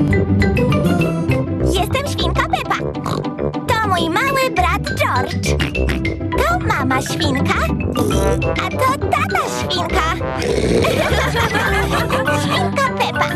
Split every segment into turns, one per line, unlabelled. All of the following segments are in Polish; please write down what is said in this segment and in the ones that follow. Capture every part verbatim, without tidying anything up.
Jestem świnka Pepa. To mój mały brat George. To mama świnka, a to tata świnka. Świnka Pepa.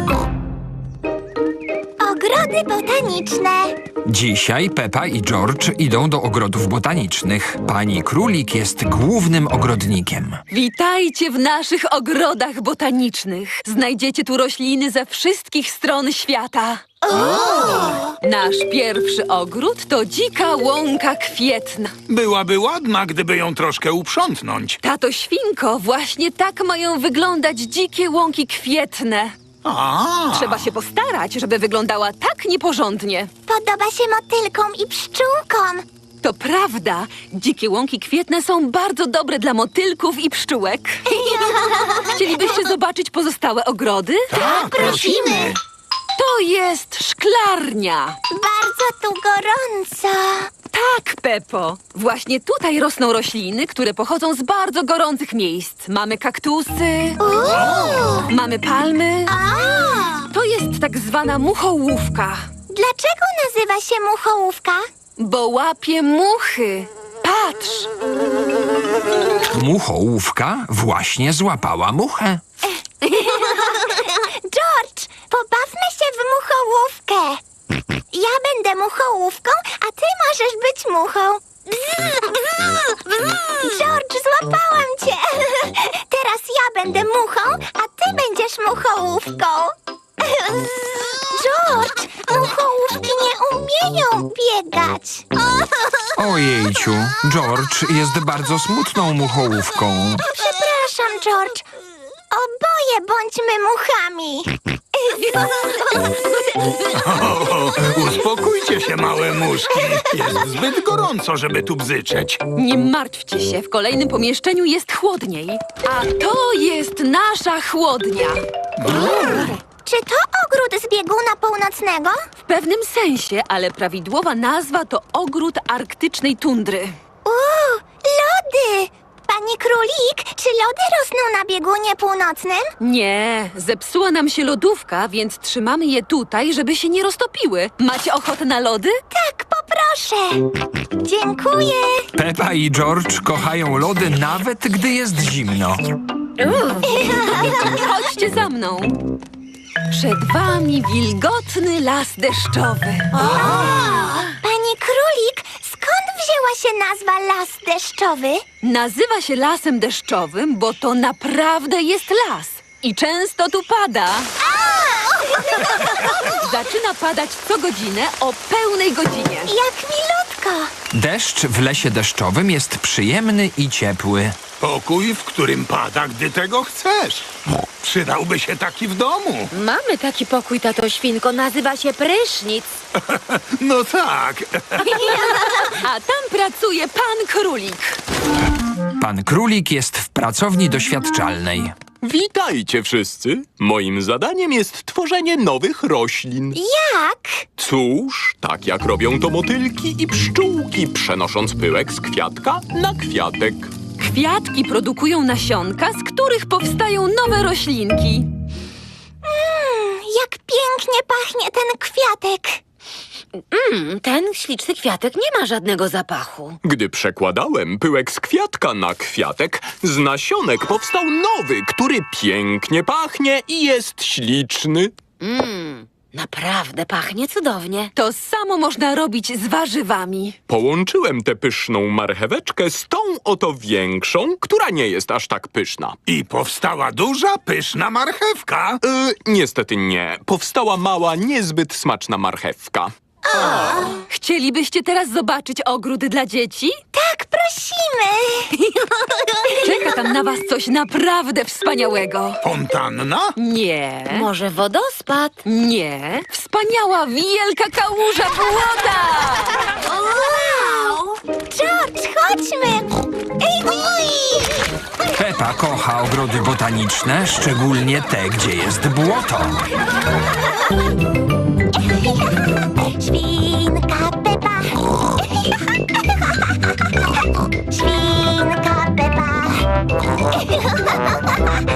Ogrody botaniczne.
Dzisiaj Pepa i George idą do ogrodów botanicznych. Pani Królik jest głównym ogrodnikiem.
Witajcie w naszych ogrodach botanicznych. Znajdziecie tu rośliny ze wszystkich stron świata. Nasz pierwszy ogród to dzika łąka kwietna.
Byłaby ładna, gdyby ją troszkę uprzątnąć.
Tato świnko, właśnie tak mają wyglądać dzikie łąki kwietne.
A,
Trzeba się postarać, żeby wyglądała tak nieporządnie.
Podoba się motylkom i pszczółkom.
To prawda, dzikie łąki kwietne są bardzo dobre dla motylków i pszczółek. Chcielibyście zobaczyć pozostałe ogrody?
tak, prosimy.
To jest szklarnia.
Bardzo tu gorąco.
Tak, Pepo. Właśnie tutaj rosną rośliny, które pochodzą z bardzo gorących miejsc. Mamy kaktusy,
Uuu.
mamy palmy.
A.
To jest tak zwana muchołówka,
Dlaczego nazywa się muchołówka?
bo łapie muchy. Patrz,
Muchołówka właśnie złapała muchę.
George, pobawmy się w muchołówkę. Ja będę muchołówką, a ty możesz być muchą. George, złapałam cię. Teraz ja będę muchą, a ty będziesz muchołówką. George, muchołówki nie umieją biegać.
Ojejciu, George jest bardzo smutną muchołówką.
Przepraszam, George. Oboje bądźmy muchami.
O, uspokójcie się, małe muszki. Jest zbyt gorąco, żeby tu bzyczeć.
nie martwcie się, w kolejnym pomieszczeniu jest chłodniej. A to jest nasza chłodnia.
Czy to ogród z bieguna północnego?
W pewnym sensie, ale prawidłowa nazwa to ogród arktycznej tundry.
Uuu, lody! Pani Królik, czy lody rosną na biegunie północnym?
Nie, zepsuła nam się lodówka, więc trzymamy je tutaj, żeby się nie roztopiły. Macie ochotę na lody?
Tak, poproszę. Dziękuję.
Pepa i George kochają lody nawet gdy jest zimno.
Chodźcie za mną. Przed wami wilgotny las deszczowy.
Pani Królik, skąd wzięła się nazwa las deszczowy?
Nazywa się lasem deszczowym, bo to naprawdę jest las. I często tu pada. Zaczyna padać co godzinę o pełnej godzinie.
Jak milutko.
Deszcz w lesie deszczowym jest przyjemny i ciepły.
Pokój, w którym pada, gdy tego chcesz. Przydałby się taki w domu.
Mamy taki pokój, tato świnko, nazywa się prysznic.
No tak.
A tam pracuje pan Królik.
Pan Królik jest w pracowni doświadczalnej.
Witajcie wszyscy! Moim zadaniem jest tworzenie nowych roślin.
Jak?
Cóż, tak jak robią to motylki i pszczółki, przenosząc pyłek z kwiatka na kwiatek.
Kwiatki produkują nasionka, z których powstają nowe roślinki.
Mm, jak pięknie pachnie ten kwiatek.
Mm, ten śliczny kwiatek nie ma żadnego zapachu.
Gdy przekładałem pyłek z kwiatka na kwiatek, z nasionek powstał nowy, który pięknie pachnie i jest śliczny.
Mmm, naprawdę pachnie cudownie.
To samo można robić z warzywami.
Połączyłem tę pyszną marcheweczkę z tą oto większą, która nie jest aż tak pyszna.
I powstała duża, pyszna marchewka.
Yy, niestety nie. Powstała mała, niezbyt smaczna marchewka.
Chcielibyście teraz zobaczyć ogród dla dzieci?
Tak, prosimy.
Czeka tam na was coś naprawdę wspaniałego.
Fontanna?
Nie,
Może wodospad?
nie. Wspaniała, wielka kałuża błota!
Wow! George, chodźmy. Ej, oj!
Pepa kocha ogrody botaniczne, szczególnie te, gdzie jest błoto.
Świnka Pepa. Świnka Pepa.